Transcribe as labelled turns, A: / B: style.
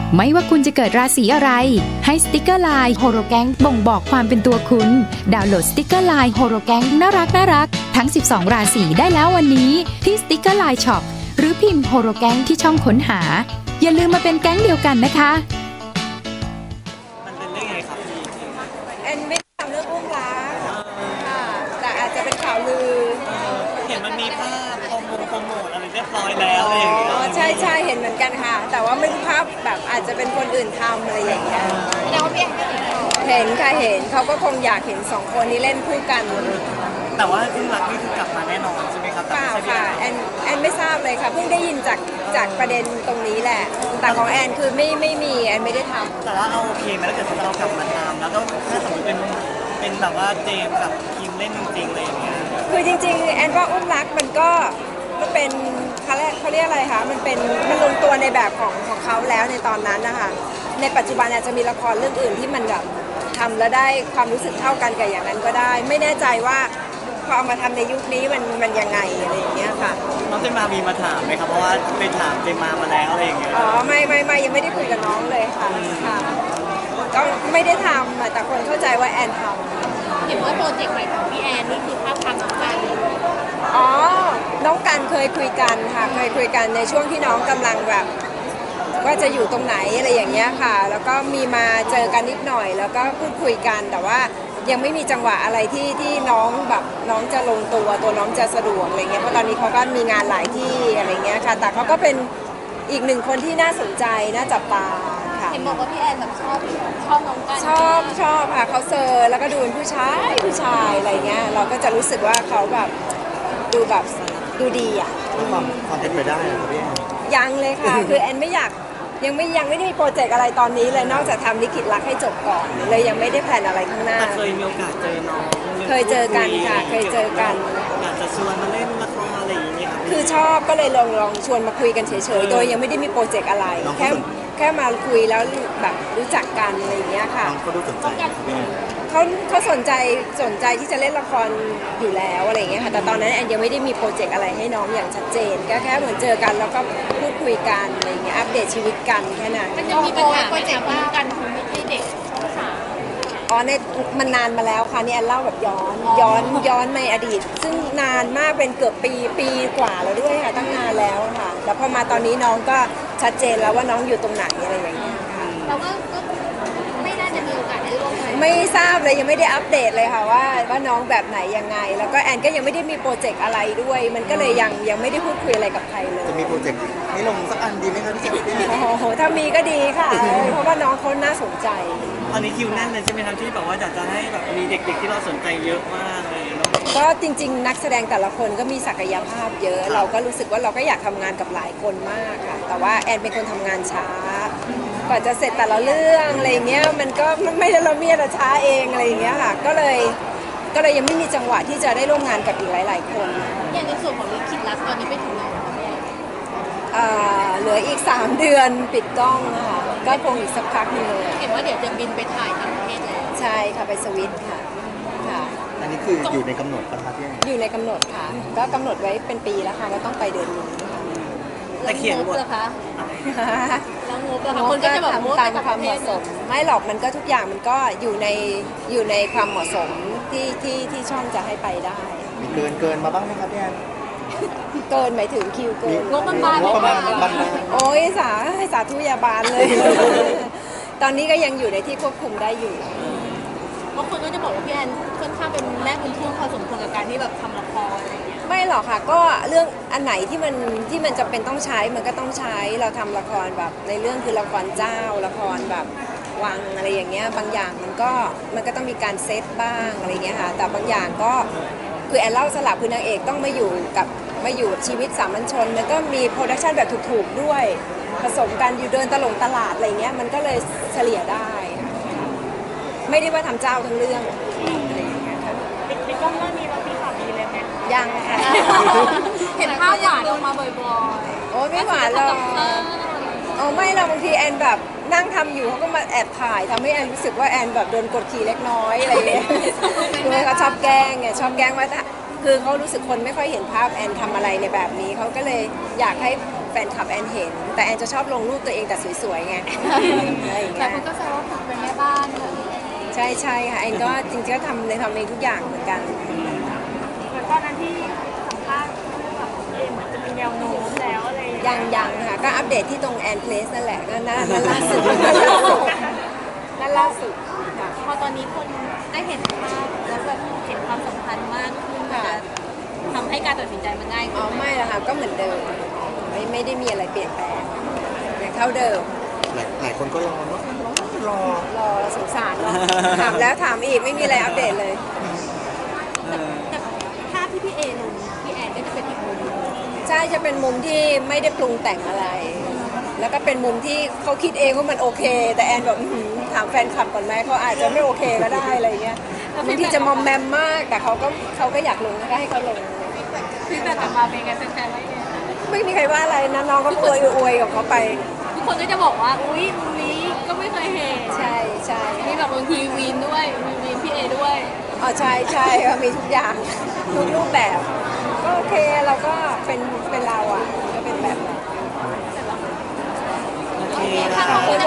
A: ไม่ว่าคุณจะเกิดราศีอะไรให้สติกเกอร์ไลน์โฮโรแกงบ่งบอกความเป็นตัวคุณดาวน์โหลดสติกเกอร์ไลน์โฮโรแกงน่ารักทั้ง12ราศีได้แล้ววันนี้ที่สติกเกอร์ไลน์ช็อปหรือพิมพ์โฮโรแกงที่ช่องค้นหาอย่าลืมมาเป็นแก๊งเดียวกันนะคะ
B: มันเป็นเรื่องไงครับพี่
C: แอนไม่ทำเรื่องอุ้มรักค่ะแต่อาจจะเป็นข่าวลือ
B: เห็นมันมีภาพโปรโมทอะไรเรียบร้อยแล้วอะไรอย่างเงี้ย
C: ใช่เห็นเหมือนกันค่ะแต่ว่าไม่รู้ภาพแบบอาจจะเป็นคนอื่นทำอะไรอย่างเงี้ย
D: แล้วพี่
C: เห็นค่ะเห็นเขาก็คงอยากเห็น2คนนี้เล่นคู่กัน
B: แต่ว่าอุ้มรักนี่คือกลับมาแน่นอนใช่ไหมครับ
C: เปล่าค่ะแอนไม่ทราบเลยค่ะเพิ่งได้ยินจากประเด็นตรงนี้แหละแต่ของแอนคือไม่มีแอนไม่ได้ทำ
B: แต่ว่าเอาโอเคไหมถ้าเกิดเรากลับมาทำแล้วก็ถ้าสมมติเป็นแบบว่าเจมส์กับคิมเล่นจริงๆอะไรอย่างเงี้ย
C: คือจริงๆแอนว่าอุ้มรักมันก็เป็นเขาเรียกอะไรคะมันลงตัวในแบบของเขาแล้วในตอนนั้นนะคะในปัจจุบันอาจจะมีละครเรื่องอื่นที่มันแบบทำแล้วได้ความรู้สึกเท่ากันกับอย่างนั้นก็ได้ไม่แน่ใจว่าพอเอามาทำในยุคนี้มันยังไงอะไรอย่างเงี้ยค่ะ
B: น้องเจมามีมาถามไหมครับเพราะว่าไปถามเจมาแล้วอะไรอย่างเงี้ย
C: อ๋อไม่ยังไม่ได้คุยกับน้องเลยค่ะก็ไม่ได้ทำแต่คนเข้าใจว่าแอนท
D: ำเห็นว่าโปรเจกต์ใหม่ของพี่แอนนี่คือภาพทำน้องกัน
C: อ๋อน้องกันเคยคุยกันค่ะเคยคุยกันในช่วงที่น้องกำลังแบบว่าจะอยู่ตรงไหนอะไรอย่างเงี้ยค่ะแล้วก็มีมาเจอกันนิดหน่อยแล้วก็พูดคุยกันแต่ว่ายังไม่มีจังหวะอะไรที่น้องแบบน้องจะลงตัวน้องจะสะดวกอะไรเงี้ยเพราะตอนนี้เขาก็มีงานหลายที่อะไรเงี้ยค่ะแต่เขาก็เป็นอีกหนึ่งคนที่น่าสนใจน่าจับตาค่ะ
D: เห็นบอกว่าพี่แอนแบบชอบน้องกัน
C: ชอบค่ะเขาเซอร์แล้วก็ดูเป็นผู้ชายอะไรเงี้ยเราก็จะรู้สึกว่าเขาแบบดูดีอ่ะ
B: ความเป็นไปได้ครับพี่
C: ยังเลยค่ะคือแอนไม่อยากยังไม่ได้มีโปรเจกต์อะไรตอนนี้เลยนอกจากทำลิขิตรักให้จบก่อนเลยยังไม่ได้แผนอะไรข้างหน้า
B: เคยมีโอกาสเจอน้อง
C: เคยเจอกันค่ะเคยเจอกัน
B: อยากจะชวนมาเล่นละครอะไรอย่างเงี้ย
C: คือชอบก็เลยลองชวนมาคุยกันเฉยๆโดยยังไม่ได้มีโปรเจกต์อะไรแค่มาคุยแล้วแบบรู้จักกันอะไรอย่างเงี้ยค่ะ
B: เขาดูสนใจ
C: เขาสนใจที่จะเล่นละครอยู่แล้วอะไรอย่างเงี้ยค่ะแต่ตอนนั้นแอนยังไม่ได้มีโปรเจกต์อะไรให้น้องอย่างชัดเจนก็แค่เหมือนเจอกันแล้วก็พูดคุยกันอะไรอย่างเงี้ยอัปเดตชีวิตกันแค่นั้น
D: มันจะมีปัญหาโปรเจกต์ว่ากันคือไม่ใช่เด็กช่องสาม
C: มันนานมาแล้วค่ะนี่แอนเล่าแบบย้อนในอดีตซึ่งนานมากเป็นเกือบปีกว่าแล้วด้วยค่ะตั้งนานแล้วค่ะแล้วพอมาตอนนี้น้องก็ชัดเจนแล้วว่าน้องอยู่ตรงไหนอะไรอย่างเงี้ยค่ะ
D: แล้วก็ไม่น่าจะมีโอกาสได้ร่วมงาน
C: ไม่ทราบเลยยังไม่ได้อัปเดตเลยค่ะว่าน้องแบบไหนยังไงแล้วก็แอนก็ยังไม่ได้มีโปรเจกต์อะไรด้วยมันก็เลยยังไม่ได้พูดคุยอะไรกับใครเลย
B: จะมีโปรเจกต์ให้ลงสักอันดีไหมคะพี่เจม
C: โอ้โหถ้ามีก็ดีค่ะเพราะว่าน้องเขาน่าสนใจ
B: ตอนนี้คิวแน่นเลยใช่ไหมครับที่แบบว่าอยากจะให้แบบมีเด็กๆที่เราสนใจเยอะมากเลย
C: ก็จริงๆนักแสดงแต่ละคนก็มีศักยภาพเยอะเราก็รู้สึกว่าเราก็อยากทำงานกับหลายคนมากค่ะแต่ว่าแอนเป็นคนทำงานช้ากว่าจะเสร็จแต่ละเรื่องอะไรเงี้ยมันก็ไม่ได้ละเมียดช้าเองอะไรเงี้ยค่ะก็เลยยังไม่มีจังหวะที่จะได้ร่วมงานกับอีกหลายๆคน
D: อย่างในส่วนของลิขิตรักตอนนี้ไปถึงไหน
C: เหลืออีก3 เดือนปิดกล้องค่ะก็คงอีกสักพักนึงเลย
D: เห็นว่าเดี๋ยวจะบินไปถ่ายต่างประเทศแล้ว
C: ใช่ค่ะไปสวิตค่ะ
B: อันนี้คืออยู่ในกำหนดปะคะพี่
C: อยู่ในกำหนดค่ะก็กำหนดไว้เป็นปีแล้วค่ะว่าต้องไปเดือนนี้
D: แต่เขียนบทคะแล้วงบละคะ
C: คนก็จะแบบตามความเหมาะสมไม่หรอกมันก็ทุกอย่างมันก็อยู่ในความเหมาะสมที่ช่องจะให้ไปได้
B: เกินมาบ้างไหมครับพี่แอน
C: เกินหมายถึงคิวเกิน
D: งบประมาณ
C: โอ้ยสาธุยาบาลเลยตอนนี้ก็ยังอยู่ในที่ควบคุมได้อยู่
D: บางคนก็จะบอกว่าพี่แอนค่อนข้างเป็นแม่บุญทุ่มพอสมควรกับการที่แบบทำละครอะไรอย่างเงี้ย
C: ไม่หรอกค่ะก็เรื่องอันไหนที่มันจำเป็นต้องใช้มันก็ต้องใช้เราทำละครแบบในเรื่องคือละครเจ้าละครแบบวังอะไรอย่างเงี้ยบางอย่างมันก็ต้องมีการเซตบ้างอะไรเงี้ยค่ะแต่บางอย่างก็คือแอนเล่าสลับคือนางเอกต้องมาอยู่ชีวิตสามัญชนมันก็มีโปรดักชันแบบถูกๆด้วยผสมกันอยู่เดินตลาดอะไรเงี้ยมันก็เลยเฉลี่ยได้ไม่ได้ว่าทำเจ้าทั้งเรื่องอะไรอย่างเงี้ยค่ะ
D: ในกล้องเรื่องนี้เราพี่ข่าวดีเลยไหม
C: ยังค่ะ
D: เห็นภาพหวานออกมาบ่อย
C: ๆโอ้ไม่หวานหรอกไม่เราบางทีแอนแบบนั่งทำอยู่เขาก็มาแอบถ่ายทำให้แอนรู้สึกว่าแอนแบบโดนกดขี่เล็กน้อยอะไรอย่างเงี้ยคือเขาชอบแกล้งว่าคือเขารู้สึกคนไม่ค่อยเห็นภาพแอนทำอะไรในแบบนี้เขาก็เลยอยากให้ฟนคลับแอนเห็น แต่แอนจะชอบลงรูปตัวเองแต่สวยๆไงอะไรอย่าง
D: แต่
C: เงี้ย
D: คุณก็แซวว่าคุณเป็นแม่บ้านเลย
C: ใช่ใช่ค่ะแอนก็จริงๆก็ทำเองทุกอย่างเหมือนกัน
D: เหมือนตอนนั้นที่สัมภาษณ์แบบเหมือนจะมีแนวโน้มแล้วอะไรอย่างเงี้ย
C: ยังค่ะก็อัปเดตที่ตรงแอนเพลสนั่นแหละนั่นล่าสุดนั่นล่าสุดค่ะ
D: พอตอนนี้คนได้เห็นภาพแล้วแบบเห็นความสัมพันธ์มากขึ้นมันจะทำให้การตัดสินใจมันง่าย
C: อ๋
D: ขึ้
C: อน
D: ไหม
C: ไม่ละค่ะก็เหมือนเดิมไม่ได้มีอะไรเปลี่ยนแปลงยังเท่าเดิม
E: หลายคนก็รอเนาะรอ
C: สงสารเนาะถามแล้วถามอีกไม่มีอะไรอัปเดตเลย
D: แต่ภาพที่พี่เอลงพี่แอนก็จะเป็นอีกมุมหนึ่ง
C: ใช่จะเป็นมุมที่ไม่ได้ปรุงแต่งอะไร แล้วก็เป็นมุมที่เขาคิดเองว่ามันโอเค แต่แอนแบบอื้อหือถามแฟนคลับก่อนไหมเขาอาจจะไม่โอเคก็ได้อะไรเงี้ยบางทีจะมอมแมมมากแต่เขาก็อยากลงก็ให้เขาลง
D: ฟีดแบ็กกลับมาเป็นไงแฟนๆว่ายังไงคะ
C: ไม่มีใครว่าอะไรนะน้องก็อวยกับเขาไป
D: ทุกคนก็จะบอกว่าอุ้ยมุมนี้ก็ไม่เคยเห็น
C: ใช่ใช่
D: มีแบบบางทีวีนด้วยมีวีนพี่เอด้วย
C: อ๋อใช่ใช่ก็มีทุกอย่างทุกรูปแบบ ก็โอเคเราก็เป็นเราอ่ะก็เป็นแบบนั้น
B: โอเค
D: ค่ะขอบคุณ